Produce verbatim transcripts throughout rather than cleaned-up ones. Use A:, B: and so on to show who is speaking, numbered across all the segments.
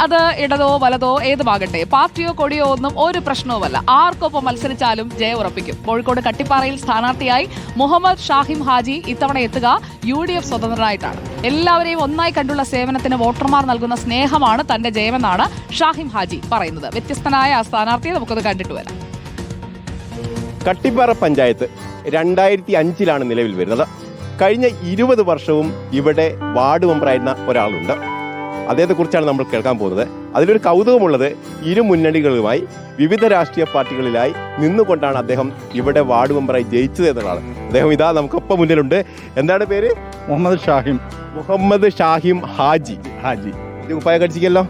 A: അത് ഇടതോ വലതോ ഏതുമാകട്ടെ, പാർട്ടിയോ കൊടിയോ ഒന്നും ഒരു പ്രശ്നവുമല്ല. ആർക്കൊപ്പം മത്സരിച്ചാലും ജയം ഉറപ്പിക്കും. കോഴിക്കോട് കട്ടിപ്പാറയിൽ സ്ഥാനാർത്ഥിയായി മുഹമ്മദ് ഷാഹിം ഹാജി ഇത്തവണ എത്തുക യു ഡി എഫ് സ്വതന്ത്രനായിട്ടാണ്. എല്ലാവരെയും ഒന്നായി കണ്ടുള്ള സേവനത്തിന് വോട്ടർമാർ നൽകുന്ന സ്നേഹമാണ് തന്റെ ജയമെന്നാണ് ഷാഹിം ഹാജി പറയുന്നത്. വ്യത്യസ്തനായ ആ സ്ഥാനാർത്ഥിയെ നമുക്കത് കണ്ടിട്ട് വരാം.
B: കട്ടിപ്പാറ പഞ്ചായത്ത് രണ്ടായിരത്തി അഞ്ചിലാണ് നിലവിൽ വരുന്നത്. കഴിഞ്ഞ ഇരുപത് വർഷവും ഇവിടെ വാർഡ് മെമ്പറായിരുന്ന ഒരാളുണ്ട്. അദ്ദേഹത്തെക്കുറിച്ചാണ് നമ്മൾ കേൾക്കാൻ പോകുന്നത്. അതിലൊരു കൗതുകമുള്ളത്, ഇരു മുന്നണികളുമായി വിവിധ രാഷ്ട്രീയ പാർട്ടികളിലായി നിന്നുകൊണ്ടാണ് അദ്ദേഹം ഇവിടെ വാർഡ് മെമ്പറായി ജയിച്ചത് എന്നതാണ്. അദ്ദേഹം ഇതാ നമുക്കൊപ്പം മുന്നിലുണ്ട്. എന്താണ് പേര്?
C: മുഹമ്മദ് ഷാഹിം.
B: മുഹമ്മദ് ഷാഹിം ഹാജി. ഹാജി ഉപ്പായ കടിച്ചിക്കല്ലോ.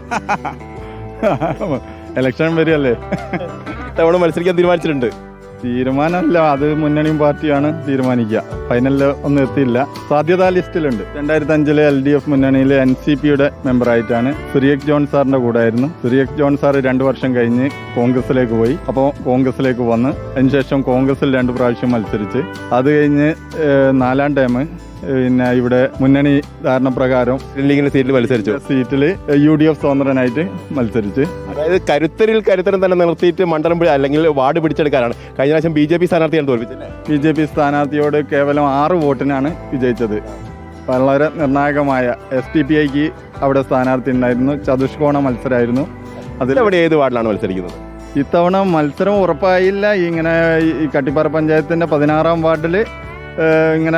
C: ഇലക്ഷൻ വരികയല്ലേ,
B: ഇത്തവണ മത്സരിക്കാൻ തീരുമാനിച്ചിട്ടുണ്ട്?
C: തീരുമാനമല്ല, അത് മുന്നണിയും പാർട്ടിയാണ് തീരുമാനിക്കുക. ഫൈനലിൽ ഒന്നും എത്തിയില്ല. സാധ്യതാ ലിസ്റ്റിലുണ്ട്. രണ്ടായിരത്തി അഞ്ചിലെ എൽ ഡി എഫ് മുന്നണിയിലെ എൻ സി പിയുടെ മെമ്പറായിട്ടാണ്. സുരിയക് ജോൺ സാറിന്റെ കൂടെ ആയിരുന്നു. സുരിയക് ജോൺ സാർ രണ്ടു വർഷം കഴിഞ്ഞ് കോൺഗ്രസിലേക്ക് പോയി. അപ്പോൾ കോൺഗ്രസിലേക്ക് വന്ന് അതിനുശേഷം കോൺഗ്രസിൽ രണ്ട് പ്രാവശ്യം മത്സരിച്ച് അത് കഴിഞ്ഞ് നാലാം ടൈം പിന്നെ ഇവിടെ മുന്നണി ധാരണ പ്രകാരം
B: ലീഗിന്റെ സീറ്റിൽ മത്സരിച്ചു.
C: സീറ്റിൽ യു ഡി എഫ് സ്വതന്ത്രനായിട്ട് മത്സരിച്ച്,
B: അതായത് കരുത്തരിൽ കരുത്തരം തന്നെ നിർത്തിയിട്ട് മണ്ഡലം അല്ലെങ്കിൽ വാർഡ് പിടിച്ചെടുക്കാനാണ്. കഴിഞ്ഞ പ്രാവശ്യം ബി ജെ പി സ്ഥാനാർത്ഥിയാണ് തോൽപ്പിച്ചത്.
C: ബി ജെ പി സ്ഥാനാർത്ഥിയോട് കേവലം ആറ് വോട്ടിനാണ് വിജയിച്ചത്. വളരെ നിർണായകമായ എസ് ടി പി ഐക്ക് അവിടെ സ്ഥാനാർത്ഥി ഉണ്ടായിരുന്നു. ചതുഷ്കോണ മത്സരമായിരുന്നു. അതിൽ
B: അവിടെ ഏത് വാർഡിലാണ് മത്സരിക്കുന്നത്?
C: ഇത്തവണ മത്സരം ഉറപ്പായില്ല. ഇങ്ങനെ ഈ കട്ടിപ്പാറ പഞ്ചായത്തിന്റെ പതിനാറാം വാർഡിൽ ഇങ്ങനെ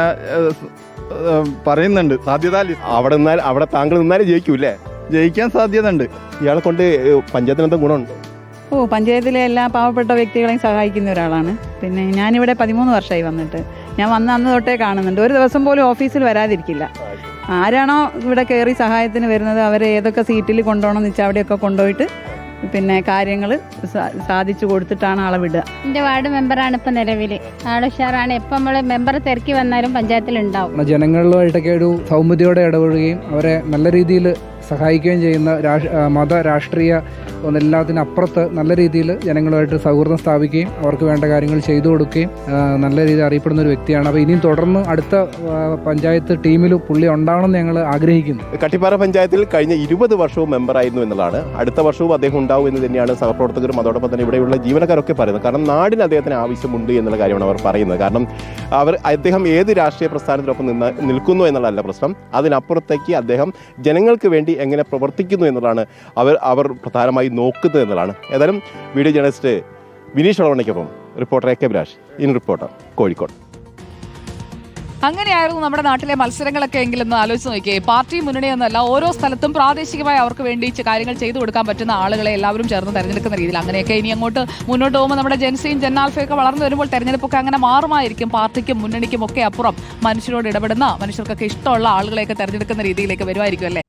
C: പറയുന്നുണ്ട് സാധ്യത.
B: അവിടെ നിന്നാൽ അവിടെ താങ്കൾ നിന്നാലും ജയിക്കൂല്ലേ?
C: ജയിക്കാൻ സാധ്യത ഉണ്ട്.
B: ഇയാളെ കൊണ്ട് പഞ്ചായത്തിന് എന്താ ഗുണമുണ്ട്?
D: ഓ, പഞ്ചായത്തിലെ എല്ലാ പാവപ്പെട്ട വ്യക്തികളെയും സഹായിക്കുന്ന ഒരാളാണ്. പിന്നെ ഞാനിവിടെ പതിമൂന്ന് വർഷമായി വന്നിട്ട്. ഞാൻ വന്ന അന്ന് തൊട്ടേ കാണുന്നുണ്ട്. ഒരു ദിവസം പോലും ഓഫീസിൽ വരാതിരിക്കില്ല. ആരാണോ ഇവിടെ കയറി സഹായത്തിന് വരുന്നത് അവരെ ഏതൊക്കെ സീറ്റിൽ കൊണ്ടുപോകണം എന്ന് വെച്ചാൽ അവിടെയൊക്കെ കൊണ്ടുപോയിട്ട് പിന്നെ കാര്യങ്ങൾ സാധിച്ചു കൊടുത്തിട്ടാണ് ആളെ വിടുക.
E: എൻ്റെ വാർഡ് മെമ്പറാണ് ഇപ്പം നിലവിൽ. ആള് ഉഷാറാണ്. എപ്പം നമ്മൾ മെമ്പർ തിരക്കി വന്നാലും പഞ്ചായത്തിലുണ്ടാവും.
F: ജനങ്ങളുമായിട്ടൊക്കെ ഒരു സൗമ്യതയോടെ ഇടപെടുകയും അവരെ നല്ല രീതിയിൽ സഹായിക്കുകയും ചെയ്യുന്ന മത രാഷ്ട്രീയ ഒന്നെല്ലാത്തിനും അപ്പുറത്ത് നല്ല രീതിയിൽ ജനങ്ങളുമായിട്ട് സൗഹൃദം സ്ഥാപിക്കുകയും അവർക്ക് വേണ്ട കാര്യങ്ങൾ ചെയ്തു കൊടുക്കുകയും നല്ല രീതിയിൽ അറിയപ്പെടുന്ന ഒരു വ്യക്തിയാണ്. അപ്പോൾ ഇനിയും തുടർന്ന് അടുത്ത പഞ്ചായത്ത് ടീമിൽ പുള്ളി ഉണ്ടാവണമെന്ന് ഞങ്ങൾ ആഗ്രഹിക്കുന്നു.
B: കട്ടിപ്പാറ പഞ്ചായത്തിൽ കഴിഞ്ഞ ഇരുപത് വർഷവും മെമ്പറായിരുന്നു എന്നുള്ളതാണ്. അടുത്ത വർഷവും അദ്ദേഹം ഉണ്ടാവും എന്ന് തന്നെയാണ് സഹപ്രവർത്തകരും അതോടൊപ്പം തന്നെ ഇവിടെയുള്ള ജീവനക്കാരൊക്കെ പറയുന്നത്. കാരണം നാടിന് അദ്ദേഹത്തിന് ആവശ്യമുണ്ട് എന്നുള്ള കാര്യമാണ് അവർ പറയുന്നത്. കാരണം അവർ അദ്ദേഹം ഏത് രാഷ്ട്രീയ പ്രസ്ഥാനത്തിനൊപ്പം നിന്ന് നിൽക്കുന്നു എന്നുള്ളതല്ല പ്രശ്നം, അതിനപ്പുറത്തേക്ക് അദ്ദേഹം ജനങ്ങൾക്ക് വേണ്ടി എങ്ങനെ പ്രവർത്തിക്കുന്നു എന്നുള്ളതാണ് അവർ അവർ പ്രധാനമായി നോക്കുന്നത് എന്നുള്ളതാണ്. ഏതായാലും വീഡിയോ ജേർണലിസ്റ്റ് വിനീഷ് ഒളവണ്ണയ്ക്കൊപ്പം reporter A K Abhilash, in Reporter, Kozhikode.
A: അങ്ങനെയായിരുന്നു നമ്മുടെ നാട്ടിലെ മത്സരങ്ങളൊക്കെ എങ്കിലെന്ന് ആലോചിച്ച് നോക്കിയേ. പാർട്ടി മുന്നണി എന്നല്ല, ഓരോ സ്ഥലത്തും പ്രാദേശികമായി അവർക്ക് വേണ്ടി കാര്യങ്ങൾ ചെയ്തു കൊടുക്കാൻ പറ്റുന്ന ആളുകളെ എല്ലാവരും ചേർന്ന് തെരഞ്ഞെടുക്കുന്ന രീതിയിൽ. അങ്ങനെയൊക്കെ ഇനി അങ്ങോട്ട് മുന്നോട്ട് പോകുമ്പോൾ നമ്മുടെ ജെൻസിയും ജെന്നാൽഫയൊക്കെ വളർന്നു വരുമ്പോൾ തെരഞ്ഞെടുപ്പൊക്കെ അങ്ങനെ മാറുമായിരിക്കും. പാർട്ടിക്കും മുന്നണിക്കും ഒക്കെ അപ്പുറം മനുഷ്യരോട് ഇടപെടുന്ന, മനുഷ്യർക്കൊക്കെ ഇഷ്ടമുള്ള ആളുകളെയൊക്കെ തെരഞ്ഞെടുക്കുന്ന രീതിയിലേക്ക് വരുമായിരിക്കും അല്ലേ?